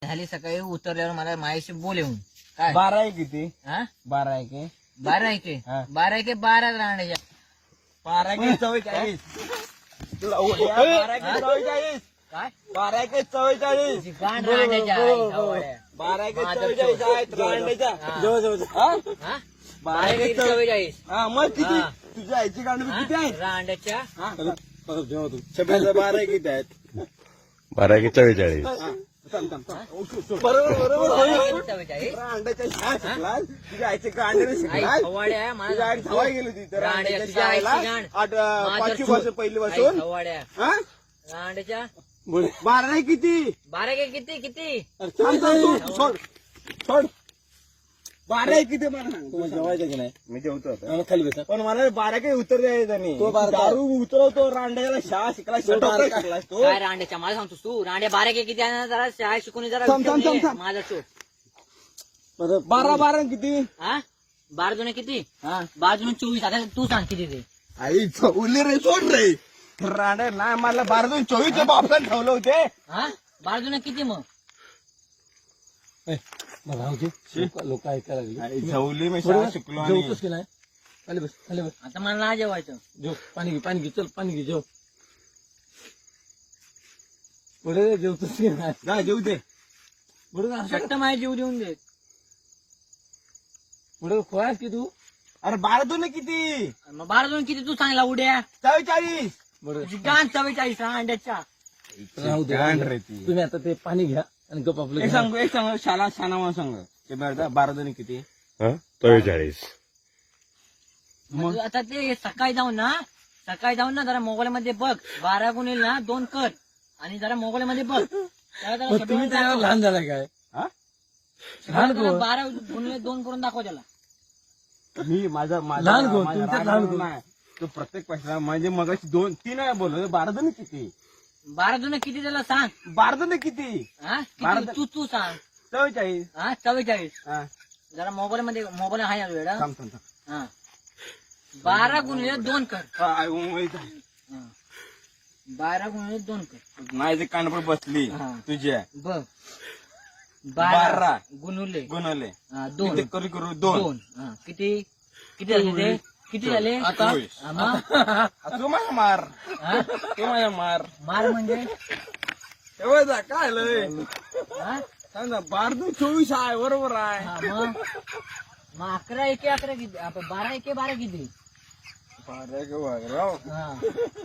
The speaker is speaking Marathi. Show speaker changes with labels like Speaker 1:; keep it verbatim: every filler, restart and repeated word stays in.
Speaker 1: झाली सकाळी उतरल्यावर मला माझ्याशी बोल येऊन काय
Speaker 2: बारा आहे किती
Speaker 1: हा
Speaker 2: बारा आहे की
Speaker 1: बारा आहे की
Speaker 2: हा.
Speaker 1: बारा आहे की बारा राहण्याच्या
Speaker 2: बारा की चव्वेचाळीस तुला उद्या बारा की चव्वेचाळीस
Speaker 1: काय
Speaker 2: बारा की चव्वेचाळीस
Speaker 1: तुझी गाण राहण्याच्या आई खवड्या.
Speaker 2: बारा की
Speaker 1: माझं
Speaker 2: चव्वेचाळीस
Speaker 1: चोर.
Speaker 2: आहेत रांडेच्या
Speaker 1: हा.
Speaker 2: जवळ जवळ हा?
Speaker 1: हा?
Speaker 2: बारा
Speaker 1: बारा
Speaker 2: की
Speaker 1: की
Speaker 2: चव्वे-
Speaker 1: चव्वेचाळीस
Speaker 2: हा मग किती
Speaker 1: हा.
Speaker 2: तुझ्या आईची गांड
Speaker 1: हा?
Speaker 2: किती आहे
Speaker 1: रांड्याच्या
Speaker 2: हा? छब्याचा बारा किती आहेत
Speaker 3: बारा की चव्वेचाळीस
Speaker 2: हा. थांब, थांब, थांब. बरोबर बरोबर
Speaker 1: बारा
Speaker 2: बरोबर.
Speaker 1: की चव्वेचाळीस
Speaker 2: रांडेच्या शाळा शिकलास तुझ्या आईचे गांडे
Speaker 1: आई
Speaker 2: शिकलास
Speaker 1: खवड्या
Speaker 2: तुझ्या आई
Speaker 1: मला
Speaker 2: धावाय गेली होती तर
Speaker 1: रांड्या,
Speaker 2: रांडेच्या
Speaker 1: तुझ्या आईची
Speaker 2: शाळेला
Speaker 1: गांड.
Speaker 2: आठ अं,
Speaker 1: माझं
Speaker 2: पाचवी
Speaker 1: चूक.
Speaker 2: पासून पहिली
Speaker 1: आई
Speaker 2: पासून
Speaker 1: खवड्या
Speaker 2: हा
Speaker 1: रांड्याच्या
Speaker 2: बारा नाही किती
Speaker 1: बारा की किती किती
Speaker 2: थांब, थांब, सोड सोड सोड बारा आहे किती मला सांग
Speaker 4: तुम्हाला जेवायचं की नाही
Speaker 2: मी जेवतो आता
Speaker 4: खाली बसा
Speaker 2: पण मला बारा काही उत्तर द्यायचं नाही
Speaker 4: तो बारा-
Speaker 2: दारू उतरवतो रांड्याला शाळा शिकला
Speaker 4: बारा-
Speaker 2: शिकलास तो
Speaker 1: काय रांड्याच्या मला सांगतोस तू रांड्या बारा की किती आहे ना जरा शाळा शिकून जरा
Speaker 2: थांब, थांब,
Speaker 1: विचारून ये.
Speaker 2: थांब, थांब.
Speaker 1: माझा चोट
Speaker 4: परत
Speaker 2: बारा बारा किती
Speaker 1: हा बारा जुने किती
Speaker 2: हा
Speaker 1: बारा जुने चोवीस आता तू सांग किती ते
Speaker 2: आई उरली रे सोड रे रांड्या नाही मला बारा दोन चोवीस बापला ठेवलं होते
Speaker 1: हा बारा जुने किती मग
Speaker 4: मला होते लोक ऐकायला लागली
Speaker 2: आई, झवली मी शाळा शिकलो आणि
Speaker 4: जेवतोस की नाही खाली बस खाली बस
Speaker 1: आता मला नाही जेवायचं
Speaker 4: जेव पाणी घे पाणी घे चल पाणी घे जेव पुढे जेवतोस की नाही
Speaker 2: जा जेऊ दे
Speaker 4: पुढे जा.
Speaker 1: शट्ट माझ्या जीव देऊन दे
Speaker 4: पुढे खोयास की तू
Speaker 2: अरे बारा दोन किती
Speaker 1: मग बारा जुने किती तू सांगला उड्या
Speaker 2: चव्वेचाळीस
Speaker 4: बरं
Speaker 1: तुझी गाण चव्वेचाळीस रांड्याच्या
Speaker 4: राहू दे
Speaker 2: गांड रे ती.
Speaker 4: तुम्ही आता ते पाणी घ्या आणि गप आपलं
Speaker 2: एक
Speaker 4: घ्या.
Speaker 2: सांगू एक सांगू शाळा शाना म्हणून सांग ते बरं बारा दोन किती
Speaker 3: हा चव्वेचाळीस
Speaker 2: मग
Speaker 1: आता ते सकाळी जाऊन ना सकाळी जाऊन ना जरा मोबाईल मध्ये बघ बारा गुणिले ना दोन कर आणि जरा मोबाईल मध्ये बघ त्याला जरा
Speaker 4: मग
Speaker 1: शब्द
Speaker 4: तुम्ही त्याला
Speaker 1: दाखव.
Speaker 4: लहान झाला काय
Speaker 2: हा?
Speaker 4: लहान
Speaker 1: जरा
Speaker 4: कोण?
Speaker 1: बारा गुणिले दोन करून दाखव त्याला
Speaker 2: मी माझा माझा
Speaker 4: लहान कोण?
Speaker 2: माझा
Speaker 4: तुमच्यात
Speaker 2: राग
Speaker 4: लहान
Speaker 2: म्हणून
Speaker 4: कोण?
Speaker 2: नाही. तो प्रत्येक पैसा म्हणजे मग दोन तीन वेळा बोललो बारा दोन किती
Speaker 1: बारा जुने किती त्याला सांग
Speaker 2: बारा दोन किती
Speaker 1: हा
Speaker 2: बारा
Speaker 1: किती? तू तू सांग
Speaker 2: चव्वेचाळीस
Speaker 1: हा चव्वेचाळीस
Speaker 2: हा
Speaker 1: जरा मोबाईल मध्ये मोबाईल आहे ना वेळा
Speaker 2: थांब थांब थांब.
Speaker 1: हा बारा गुणिले दोन कर
Speaker 2: हा, आई, उमळी जा.
Speaker 1: हा. बारा गुणिले दोन कर
Speaker 2: माझी कानपूर बसली
Speaker 1: हा.
Speaker 2: तुझ्या
Speaker 1: बघ
Speaker 2: बारा.
Speaker 1: बारा गुणुले
Speaker 2: गुणवले
Speaker 1: हा, दोन
Speaker 2: किती करू करू दोन
Speaker 1: दोन हा. किती किती झाले ते किती झाले
Speaker 2: आता
Speaker 1: हा, मग?
Speaker 2: आ, तू माझा मार
Speaker 1: हा?
Speaker 2: तू माझा मार
Speaker 1: मार म्हणजे
Speaker 2: तेव्हा जा काय लय
Speaker 1: हा?
Speaker 2: सांग ना बारा दोन चोवीस आहे बरोबर आहे
Speaker 1: हा, मग मग अकरा एके अकरा किती आपण बारा एके बारा किती
Speaker 2: बारा का बारा.
Speaker 1: हा